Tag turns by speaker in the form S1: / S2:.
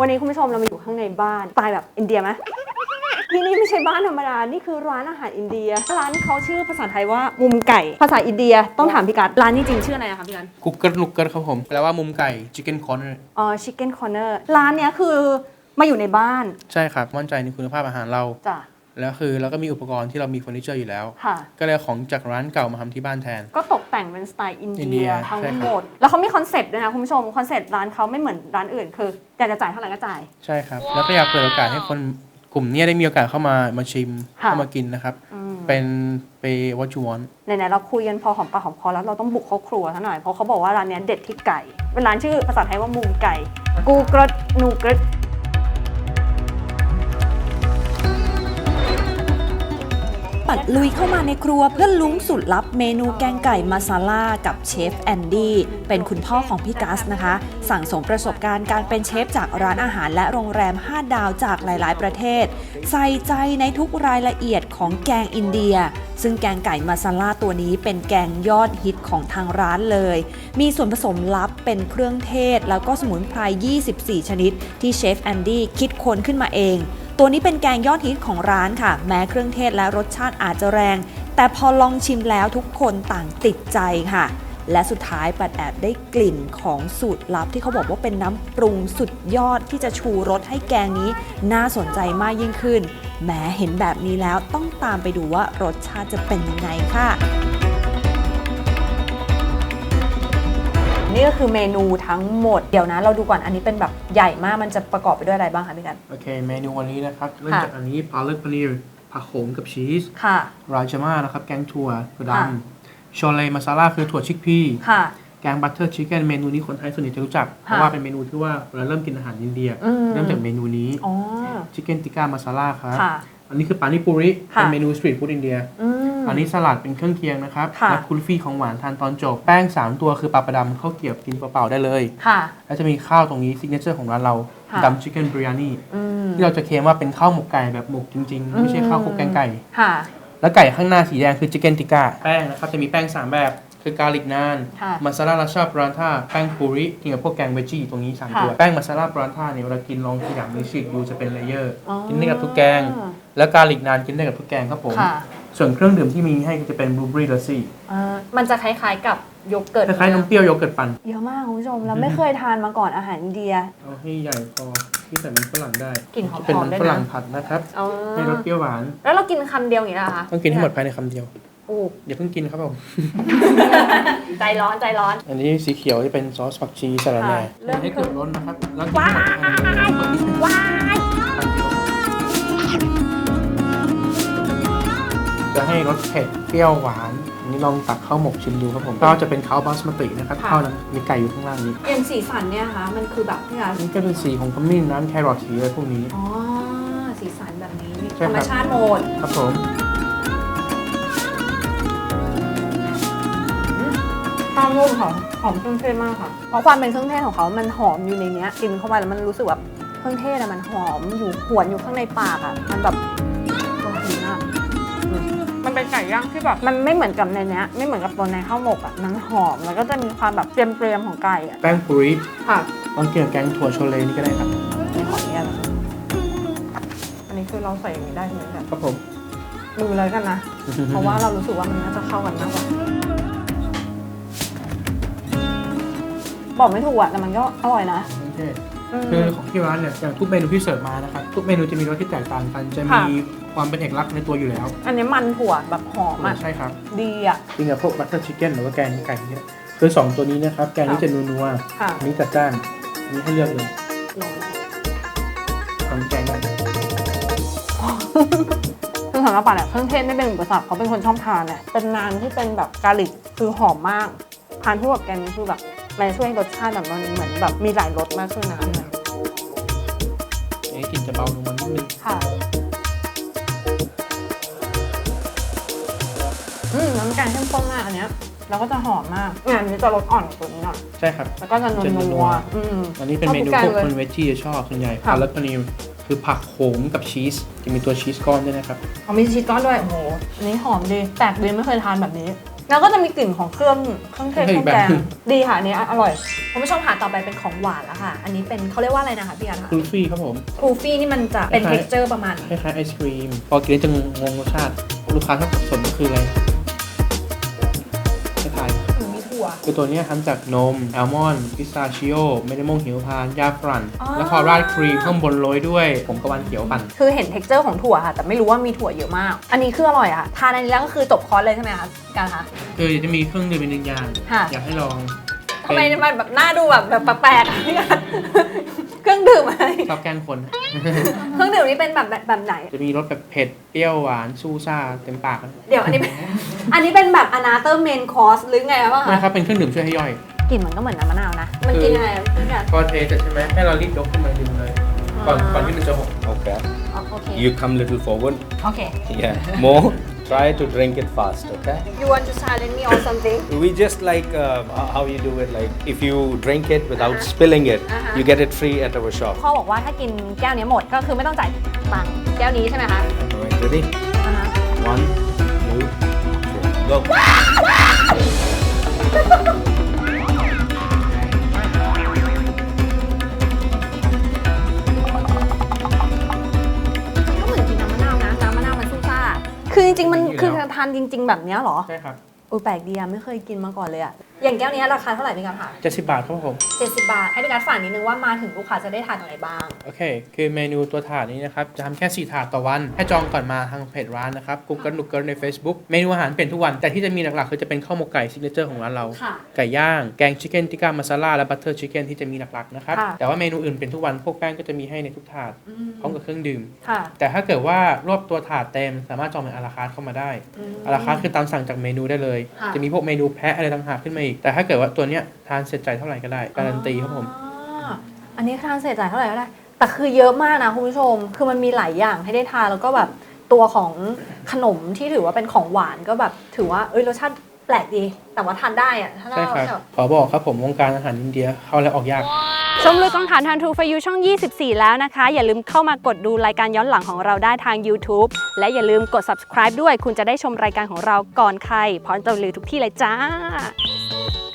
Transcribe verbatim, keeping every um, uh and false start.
S1: วันนี้คุณผู้ชมเรามาอยู่ข้างในบ้านสไตล์แบบอินเดียไหมที่นี่ไม่ใช่บ้านธรรมดานี่คือร้านอาหารอินเดียร้านเขาชื่อภาษาไทยว่ามุมไก่ภาษาอินเดียต้องถามพี่กัดร้านนี้จริงชื่ออะไรนะคะพี่กัด
S2: กุกเกิลนุกเกิลครับผมแปลว่ามุมไก่ Chicken Corner
S1: อ๋อ Chicken Corner ร้านเนี้ยคือมาอยู่ในบ้าน
S2: ใช่ครับมั่นใจในคุณภาพอาหารเรา
S1: จ้ะ
S2: แล้วคือเราก็มีอุปกรณ์ที่เรามีเฟอร์นิเจอร์อยู่แล้ว
S1: ค่ะ
S2: ก็เลยเอาของจากร้านเก่ามาทำที่บ้านแทน
S1: ก็ตกแต่งเป็นสไตล์อิน
S2: อิน
S1: เดี
S2: เดี
S1: ย
S2: ย
S1: ทั้ง
S2: ใช่ครับ
S1: หมดแล้วเขามีคอนเซปต์ด้วยนะคุณผู้ชมคอนเซปต์ร้านเขาไม่เหมือนร้านอื่นคืออยากจะจ่ายเท่าไหร่ก็จ่าย
S2: ใช่ครับแล้วก็อยากเปิดโอกาสให้คนกลุ่มนี้ได้มีโอกาสเข้ามามาชิม
S1: ค่ะ
S2: เข้ามากินนะครับเป็นไปวัตถุวอน
S1: ไหนๆเราคุยกันพอหอมปากหอมคอแล้วเราต้องบุกเข้าครัวซะหน่อยเพราะเขาบอกว่าร้านเนี้ยเด็ดที่ไก่เป็นร้านชื่อภาษาไทยว่ามุมไก่กูกรดนูกรด
S3: ปัดลุยเข้ามาในครัวเพื่อลุ้งสูตรลับเมนูแกงไก่มาซาล่ากับเชฟแอนดี้เป็นคุณพ่อของพี่กัสนะคะสั่งสมประสบการณ์การเป็นเชฟจากร้านอาหารและโรงแรมห้าดาวจากหลายๆประเทศใส่ใจในทุกรายละเอียดของแกงอินเดียซึ่งแกงไก่มาซาล่าตัวนี้เป็นแกงยอดฮิตของทางร้านเลยมีส่วนผสมลับเป็นเครื่องเทศแล้วก็สมุนไพรยี่สิบสี่ชนิดที่เชฟแอนดี้คิดค้นขึ้นมาเองตัวนี้เป็นแกงยอดฮิตของร้านค่ะแม้เครื่องเทศและรสชาติอาจจะแรงแต่พอลองชิมแล้วทุกคนต่างติดใจค่ะและสุดท้ายปัดแอบได้กลิ่นของสูตรลับที่เขาบอกว่าเป็นน้ำปรุงสุดยอดที่จะชูรสให้แกงนี้น่าสนใจมากยิ่งขึ้นแม้เห็นแบบนี้แล้วต้องตามไปดูว่ารสชาติจะเป็นยังไงค่ะ
S1: นี่ก็คือเมนูทั้งหมดเดี๋ยวนะเราดูก่อนอันนี้เป็นแบบใหญ่มากมันจะประกอบไปด้วยอะไรบ้างคะพี่กัน
S2: โอเคเมนูวันนี้นะครับเริ่มจากอันนี้พาเลตพานีร์ผักโขมกับชีส
S1: ค่ะ
S2: ราจาม่านะครับแกงถั่วถั่วดำโชเลมาซาล่าคือถั่วชิคพี
S1: ค่ะ
S2: แกงบัตเตอร์ชิคเก้นเมนูนี้คนไทยส่วนใหญ่จะรู้จักเพราะว่าเป็นเมนูที่ว่าเราเริ่มกินอาหารอินเดียเริ่มจากเมนูนี้ชิคเก้นติก้ามาซาล่าครับอันนี้คือปานิปุริเป็นเมนูสตรีทฟู้ดอินเดียอันนี้สลัดเป็นเครื่องเคียงนะครับและคุลฟี่ของหวานทานตอนจบแป้งสามตัวคือปลาประดำข้าวเกรี๊ยวกินเปล่าๆได้เลยแล้วจะมีข้าวตรงนี้ซิกเนเจอร์ของร้านเราดำชิคเก้นบริยานีที่เราจะเคลมว่าเป็นข้าวหมกไก่แบบหมกจริงๆไม่ใช่ข้าวคลุกแกงไก่แล้วไก่ข้างหน้าสีแดงคือชิคเก้นติก้าแป้งนะครับจะมีแป้งสามแบบคือกาลิกนานมาซาลาราชาปรานท่าแป้งปูริกินกับพวกแกงเวจี้ตรงนี้สามตัวแป้งมาซาลาปรานท่าเนี่ยเวลากินลองขยำหรือฉีกดูจะเป็นเลเยอร์กินได้กับทุกแกงแล้วกาลิกนานกินได้กับทุกแกงครับผมส่วนเครื่องดื่มที่มีให้จะเป็นบลูเบอรี่ลัสซี่
S1: มันจะคล้ายๆกับโยเกิร์ต
S2: คล้ายๆนมเปรี้ยวโยเกิร์ตปั่น
S1: เยอะมากคุณผู้ชมเราไม่เคยทานมาก่อนอาหารอินเดีย
S2: เอาให้ใหญ่พอที่ใส่มันฝรั่งได้
S1: กลิ่นหอมๆ
S2: เป็น
S1: มัน
S2: ฝรั่งผัดนะครับให้รสเปรี้ยวหวาน
S1: แล้วเรากินคำเดียวอย่างนี้เหรอคะ
S2: ต้องกินให้หมดภายในคำเดียวเดี๋ยวเพิ่งกินครับผม
S1: ใจร้อนใจร้อน
S2: อันนี้สีเขียวจะเป็นซอสผักชีสลัดแหน่ให้เกิดร้อนนะครับแล้วกินหมด
S1: ว้าย
S2: จะให้รสเผ็ดเปรี้ยวหวานอันนี้ลองตักข้าวหมกชิมดูครับผมข้าวจะเป็นข้าวบาสมาตินะครับข้าวนั้นมีไก่อยู่ข้างล่างนี้
S1: เอ็มสีสันเนี่ยคะมันคือแบบนี่ค่ะ
S2: นี่ก็เป็นสีของขมิ้นน้ำแครอทสีอะไรพวกนี้
S1: อ๋อสีสันแบบนี้ธรรมชาติหมด
S2: ครับผม
S1: ข้าวนุ่มของหอมเครื่องเทศมากค่ะเพราะความเป็นเครื่องเทศของเขามันหอมอยู่ในนี้กินเข้าไปแล้วมันรู้สึกแบบเครื่องเทศอะมันหอมอยู่หวนอยู่ข้างในปากอะมันแบบโอ้ดีมากมันเป็นไก่ย่างที่แบบมันไม่เหมือนกับในนี้ไม่เหมือนกับตัวในข้าวหมกอะมันหอมแล้วก็จะมีความแบบเปรี้ยมๆของไก่อะ
S2: แป้งปุริ
S1: ค่ะ
S2: ลองกินกับแกงถั่วโชเลนี่ก็ได้ครับ
S1: นี่ขอเนี่ยอันนี้คือเราใส่อย่างนี้ได้ไหมครับ
S2: ครับผม
S1: มือเลยกันนะเพราะว่าเรารู้สึกว่ามันน่าจะเข้ากันมากกว่าบอกไม่ถูกอะแต่มันก็อร่อยนะ
S2: คือของที่ร้านเนี่ยอย่างทุกเมนูที่เสิร์ฟมานะครับทุกเมนูจะมีรสที่แตกต่างกันจะมีความเป็นเอกลักษณ์ในตัวอยู่แล้ว
S1: อันนี้มันถั่วแบบหอมอ่ะ
S2: ใช่ครับ
S1: ดีอ่ะ
S2: กินกับพวกบัตเตอร์ชิคเก้นหรือว่าแกงไก่เนี่ยคือสองตัวนี้นะครับแกงนี้จะนัวๆอันนี้จัดจ้านอันนี้ให้เลือกเลยทำแกงได้
S1: คือสำหรับปัดเนี่ยเครื่องเทศไม่เป็นอุปสรรคเขาเป็นคนชอบทานเนี่ยเป็นนานที่เป็นแบบกาลิกคือหอมมากทานคู่กับแกงนี้คือแบบมันช่วยรสชาติแบบมันเหมือนแบบมีหลายรสมากขึ้นนะ
S2: อันนี้กลิ่นจะเบาลงมานิดนึง
S1: ค่ะอืมน้ำแกงเข้มข้นมากอันเนี้ยแล้วก็จะหอมมากงานนี้จะรสอ่อนกว่าตัวนี้หน่อย
S2: ใช่ครับ
S1: แล้วก็จะนัวๆอืม
S2: อันนี้เป็นเมนูพวกคนเวจจี้จะชอบส่วนใหญ่พาเลตพานีร์คือผักโขมกับชีสจะมีตัวชีสก้อนด้วยนะครับ
S1: อ๋อมีชีสก้อนด้วยโอ้โหอันนี้หอมดีแปลกดีไม่เคยทานแบบนี้แล้วก็จะมีกลิ่นของเครื่องเครื่องเทศเครื่องแกงดีค่ะอันนี้อร่อยคุณผู้ชมค่ะต่อไปเป็นของหวานแล้วค่ะอันนี้เป็นเขาเรียกว่าอะไรนะคะพี่กันคะ
S2: คูฟี่ครับผม
S1: ครูฟี่นี่มันจะเป็น
S2: คล้ายๆ
S1: texture ประมาณ
S2: คล้ายๆไอศครีมพอกินแล้วจะงงรสชาติลูกค้าถ้าสับสนก็คืออะไรคล้าย
S1: หรือมีถั่ว
S2: ๆคือตัวเนี้ยทำจากนมแอลมอนด์พิสตาชิโอเมดมงหิมพานต์ยาฝรั่ง
S1: อ๋อ
S2: แล้วพอราดครีมข้างบนโรยด้วยผงกะวันเขียวปั่น
S1: คือเห็น texture ของถั่วค่ะ แต่ไม่รู้ว่ามีถั่วเยอะมาก อันนี้คืออร่อยอะทานอันนี้แล้วก็คือจบคอร์สเลยใช่ไหมคะการคะ
S2: คือจะมีเครื่องดื่มเป็นหนึ่งอย่าง
S1: ค่ะ
S2: อยากให้ลอง
S1: ทำไมมันแบบหน้าดูแบบแบบแปลกๆอะพี่กันเครื่องดื่มอะไร
S2: ชอบแกล้งคน
S1: เครื่องดื่มนี้เป็นแบบแบบแบบไหน
S2: จะมีรสแบบเผ็ดเปรี้ยวหวานซูซ่าเต็มปาก
S1: เดี๋ยวอันนี้เป็น อันนี้เป็นแบบ another main course หรือไงวะ
S2: นะค
S1: คะ
S2: รับเป็นเครื่องดื่มช่วยให้ย่อย
S1: กลิ่นมันก็เหมือนน้ำมะนาวนะ มันกินยังไงพี่กัน
S2: พอเทเสร็จใช่ไหมให้เรารีบยกขึ้นมาดื่มเลย ก่อนก่อนที่มันจะหก
S4: Okay.
S1: โอเค
S4: You come little forward.
S1: โอเค
S4: Yeah. More. Try to drink it fast. Okay.
S1: you want to challenge me or something
S4: We just like uh, how you do it. Like if you drink it without spilling it,
S1: Uh-huh.
S4: you get it free at our shop.
S1: พ่อบอกว่าถ้ากินแก้วนี้หมดก็คือไม่ต้องจ่ายตังค์แก้วนี้ใช่ไหมคะ
S4: Alright, ready?
S1: อ่าฮะ
S4: One, two, three, go.
S1: ก็เหมือนกินน้ำมะนาวนะ น้ำมะนาวมันซุ่ซ่า คือจริงๆ มัน
S2: อยู่แล้ว
S1: คือทานจริง ๆ แบบเนี้ยเหรอ
S2: ใช่ครับ
S1: โอ้ยแปลกดีอะไม่เคยกินมาก่อนเลยอะอย่างแก้วนี้ราคาเท่าไหร่พี่การค่ะ
S2: เจ็ดสิบบาทครับผม
S1: เจ็ดสิบบาท ให้พี่การฝากนิดนึงว่ามาถึงลูกค้าจะได้ทานอะไรบ้าง
S2: โอเค คือเมนูตัวถาดนี้นะครับ จะทำแค่สี่ถาดต่อวัน ให้จองก่อนมาทางเพจร้านนะครับ Google นุกเกิลใน Facebook เมนูอาหารเปลี่ยนทุกวัน แต่ที่จะมีหลักๆ คือจะเป็นข้าวหมกไก่ซิกเนเจอร์ของร้านเรา
S1: ค่ะ
S2: ไก่ย่าง แกงชิคเก้นติก้ามาซาล่าและบัตเตอร์ชิคเก้นที่จะมีหลักๆนะครับ
S1: ค่ะ
S2: แต่ว่าเมนูอื่นเปลี่ยนทุกวัน พวกแป้งก็จะมีให้ในทุกถาด
S1: อืม
S2: พร้อมกับเครื่องดื่ม
S1: ค่ะ
S2: แต่ถ้าเกิดว่ารวบตัวถาดเต็มสามารถจองเป็นอาราคาร์ทเข้ามาได้
S1: อืม
S2: อาราคาร์ทคือตามสั่งจากเมนูได้เลย
S1: ค่ะ
S2: จะมีพวกเมนูแพะอะไรต่างหากขึ้นมาอีก แต่ถ้าเกิดว่าตัวเนี้ยทานเสร็จใจเท่าไหร่ก็ได้ การันตีครับผม
S1: อ๋ออันนี้ทานเสร็จจ่ายเท่าไหร่ก็ได้ แต่คือเยอะมากนะคุณผู้ชม คือมันมีหลายอย่างให้ได้ทานแล้วก็แบบตัวของขนมที่ถือว่าเป็นของหวานก็แบบถือว่าเอ้ยรสชาติแปลกดี แต่ว่าทานได้อะถ้าเรา
S2: ใช่ครับ
S1: แบบ
S2: ขอบอกครับผมวงการอาหารอินเดียเข้าแล้วออกยาก
S3: ชมลุยกองถ่านทาง True for You ช่อง ยี่สิบสี่ แล้วนะคะ อย่าลืมเข้ามากดดูรายการย้อนหลังของเราได้ทาง YouTube และอย่าลืมกด Subscribe ด้วย คุณจะได้ชมรายการของเราก่อนใครพร้อมจะรีวิวทุกที่เลยจ้า